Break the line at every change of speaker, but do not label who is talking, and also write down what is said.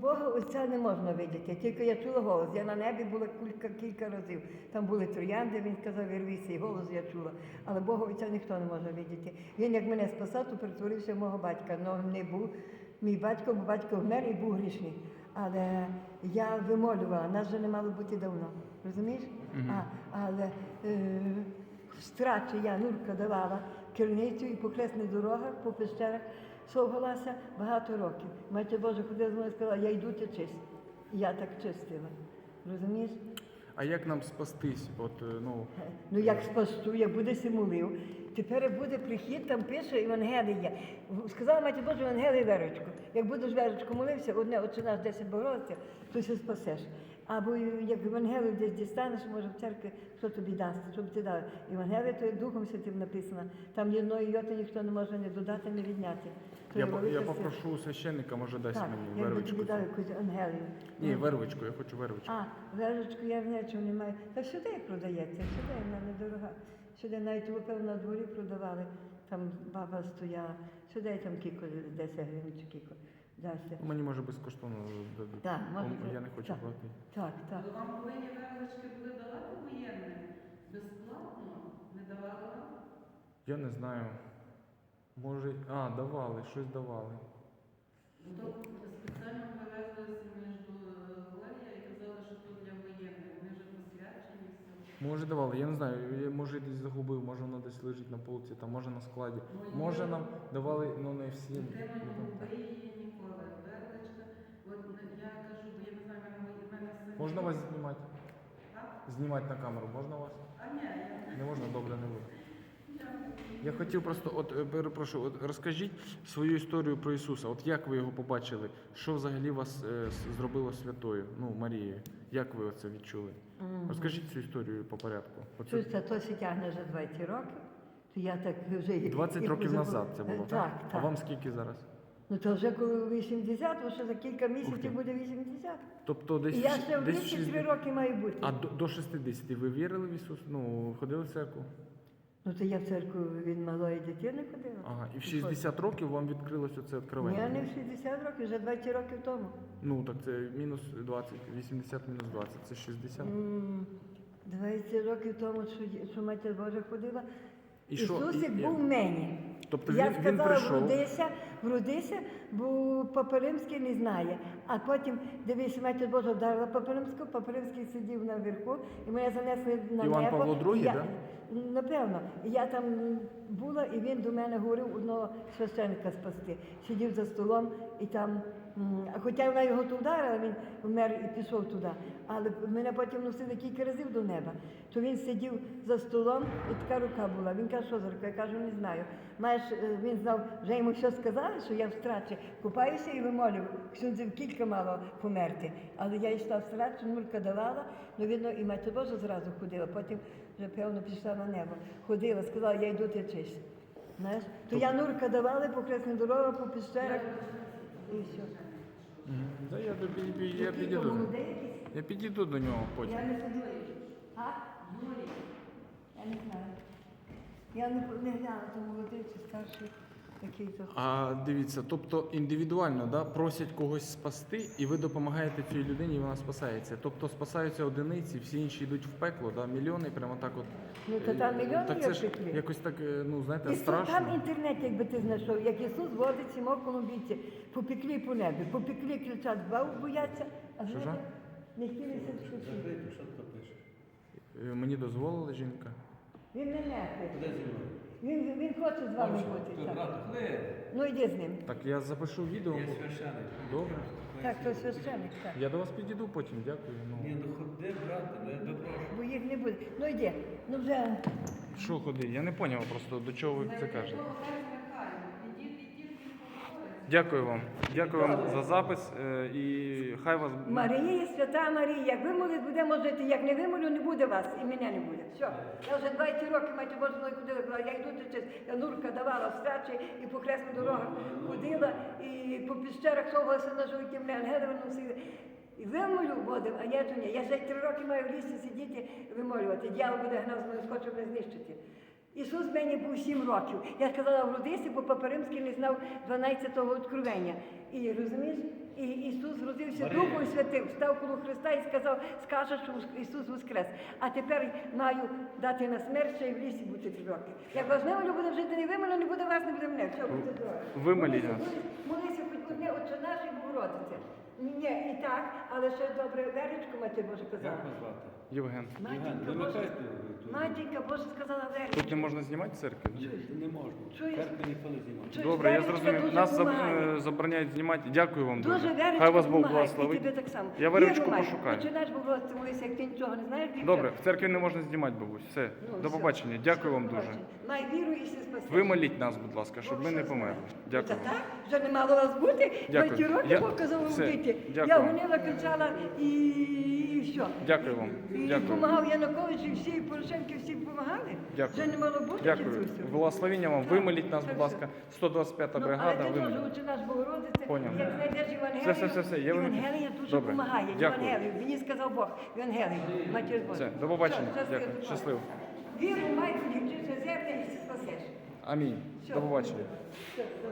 Бога Отця не можна видіти, тільки я чула голос. Я на небі була кілька разів. Там були троянди, він сказав, вирвися, і голос я чула. Але Бога Отця ніхто не може видіти. Він, як мене спасав, то перетворився в мого батька. Но не був мій батько, бо батько вмер і був грішний. Але я вимолювала, нас вже не мало бути давно. Розумієш? Але в страчі я, Нурка, давала керівницю і по хресних дорогах, по пещерах совгалася багато років. Матір Божа ходила з мною і сказала, я йду ти чисть. І я так чистила. Розумієш?
А як нам спастись?
Ну як спасту, як буде симулив. Тепер буде прихід, там пише Євангелія. Сказала Матір Божа, Євангелія Верочку. Як будеш Верочку молився, одне, Отче наш, 10 Богородиця, то се спасеш. Або як Євангелію десь дістанеш, може в церкві, що тобі дасть, щоб ти дав. Євангелія, то є Духом Святим написано. Там ні одної йоти ніхто не може не додати, не відняти.
Я попрошу священника, може дасть мені вервичку.
Так, я би тобі дав якусь Євангелію.
Ні, вервичку, я хочу вервичку.
Вервичку я нічого не маю. Та сюди продається, сюди, вона недорога. Сюди навіть лупив на дворі продавали, там баба стояла. Сюди там кілько, 10 гривень чи кілько.
Мені може безкоштовно дадуть.
Так,
я не хочу платити.
Так.
Вам повинні вервички були давати воєнним? Безплатно? Не давали вам?
Я не знаю. Може, давали, щось давали.
Тобто спеціально привезли між Глорія і казали, що тут для воєнних. Вони вже посвячені все.
Може давали, я не знаю, я може десь загубив, може воно десь лежить на полці, там може на складі. Може нам давали, не всім.
Дитина не губи її ніколи. Вервичка, от я кажу, бо я не знаю, в мене син.
Можна вас знімати? Знімати на камеру, можна вас?
Ні,
Не можна, добре, не буде. Я хотів просто, перепрошую, розкажіть свою історію про Ісуса. От як ви його побачили? Що взагалі вас зробило святою, Марією? Як ви це відчули? Розкажіть цю історію по порядку.
То се тягне вже 20 років. То я так вже
20 років назад це було, так? А вам скільки зараз?
Ну то вже коли 80, то ще за кілька місяців буде 80.
Тобто десь
І я ще в 33 роки маю бути.
А до 60 ви вірили в Ісуса? Ходили в церкву?
Ну то я в церкву від малої дитини ходила.
Ага, і в 60 років вам відкрилося це відкривання?
Ні, не в 60 років, вже 20 років тому.
Так це мінус 20, 80 мінус 20, це 60.
20 років тому, що Матір Божа ходила.
І що?
Ісусик був в мені.
Тобто
я
він
сказала,
прийшов.
вродися, бо Папа Римський не знає. А потім, дивись, Матір Божа вдарила Папа Римський сидів наверху, і мене занесли на
Іван
небо.
Павло II, так?
Напевно. Я там була, і він до мене говорив одного священника спасти. Сидів за столом, і там, хоча вона його тут вдарила, він вмер і пішов туди. Але мене потім носили кілька разів до неба. То він сидів за столом, і така рука була. Він каже, що за рука? Я кажу, не знаю. Він знав, вже йому що сказали, що я в страчі купаюся і вимолюю. Ксюндзів кілька мало померти. Але я йшла в страчі, Нурка давала, видно, і Матір Божа зразу ходила. Потім вже, певно, пішла на небо. Ходила, сказала, я йду течись. Знаєш? То я Нурка давала по хресних дорогах, по пещерах. І все.
Я підійду до нього потім.
Я не ходила. Я не знаю. Я не глянула, то молодий чи старший який-то.
А дивіться, тобто індивідуально, да, просять когось спасти, і ви допомагаєте цій людині, і вона спасається. Тобто спасаються одиниці, всі інші йдуть в пекло, да, мільйони, прямо так от.
Ну, то там мільйони
так
є
це
в
ж
пеклі.
якось так, знаєте,
Ісус,
страшно.
там інтернет, якби ти знайшов, як Ісус водить сімох колумбійців, по пеклі по небі, по пеклі кричать, бояться, а
Що?
знаєте, не хотілися вчити.
Мені дозволила жінка.
Він не нехтує. Він хоче з вами бути. Ну йди з ним.
Так, я запишу відео.
Є священик.
Добре.
Так, то священник, так.
Я до вас підійду потім, дякую.
Ні, ходи, брате, я тебе прошу.
Бо їх не буде. Ну йди, ну вже.
Що ходи? Я не зрозумів просто, до чого ви це кажете. Дякую вам. Дякую вам за запис. І хай вас...
Марія, свята Марія, як вимолить, будемо жити, як не вимолю, не буде вас, і мене не буде. Все. Я вже 20 років, Матір Божа, мною ходила, казала, я йду течись, я Нурка давала в страчі, і по хресних дорогах ходила, і по піщерах совалася на животі, мене ангели виносили. І вимолю водив, а я то ні. Я ще 3 роки маю в лісі сидіти, вимолювати. Дьявол буде гнав з мною, схоче мене знищити. Ісус мені був 7 років. Я сказала, вродися, бо Папа Римський не знав 12-го откровення. І розумієш, І Ісус родився
Марія.
Духом Святим, став коло Христа і сказав, скаже, що Ісус воскрес. А тепер маю дати на смерть, ще й в лісі бути 3 роки. Як вас не буде жити не вимило, не буде вас, не буде мене. Все, буде здорові.
Вимоліть нас.
Молися хоч одне, Отче наш і Богородице. Ні, і так, але ще добре Веречку, Матір Боже казала.
Як вас звати?
Євген.
Євген,
Матінка Боже,
вимикайте.
Матінка Боже сказала Веречку.
Тут не можна знімати в церкві?
Не можна.
Чуєш?
Церкви ніхто не знімає.
Чуєш,
Добре, я
Веречка
зрозумів.
дуже
Нас
помагає.
забороняють знімати. Дякую вам дуже.
Дуже Веречка
Хай вас Бог
помагає,
благословить.
і тебе так само.
Я Верочку
Віру май.
пошукаю.
Починаєш Богородице молитися, як ти нічого не знаєш. і
Добре,
все.
в церкві не можна знімати, бабусь. Все,
Ну,
до
все.
побачення. Дякую вам
До
дуже.
побачення. Май віру і все спасеш.
Вимоліть нас, будь ласка, щоб ми не померли. Дякую
Та
вам.
так, вже не мало вас бути.
Дякую.
20 років
Я-
Бог казав
все.
робити.
Дякую.
Я гонила, кричала і все.
Дякую вам.
І
Дякую.
допомагав Янукович, і всі, і Порошенки, всі допомагали.
Дякую.
Вже не мало бути.
Дякую.
Дідусю.
Благословіння вам.
Так,
Вимоліть нас,
так,
будь ласка. 125-та
Ну,
бригада.
але ти теж
Вимоліть.
учи наш Богородице,
Поняв.
як знайдеш Євангелію,
Все, я вам-
Євангелія дуже
Добре.
допомагає.
Дякую.
Євангелію. Мені сказав Бог, Євангелію, Матір Божа.
Все, до побачення.
Все,
Дякую. Щасливо.
Віру, май, вчися земля і все спасеш.
Амінь.
Все.
До побачення.
Все.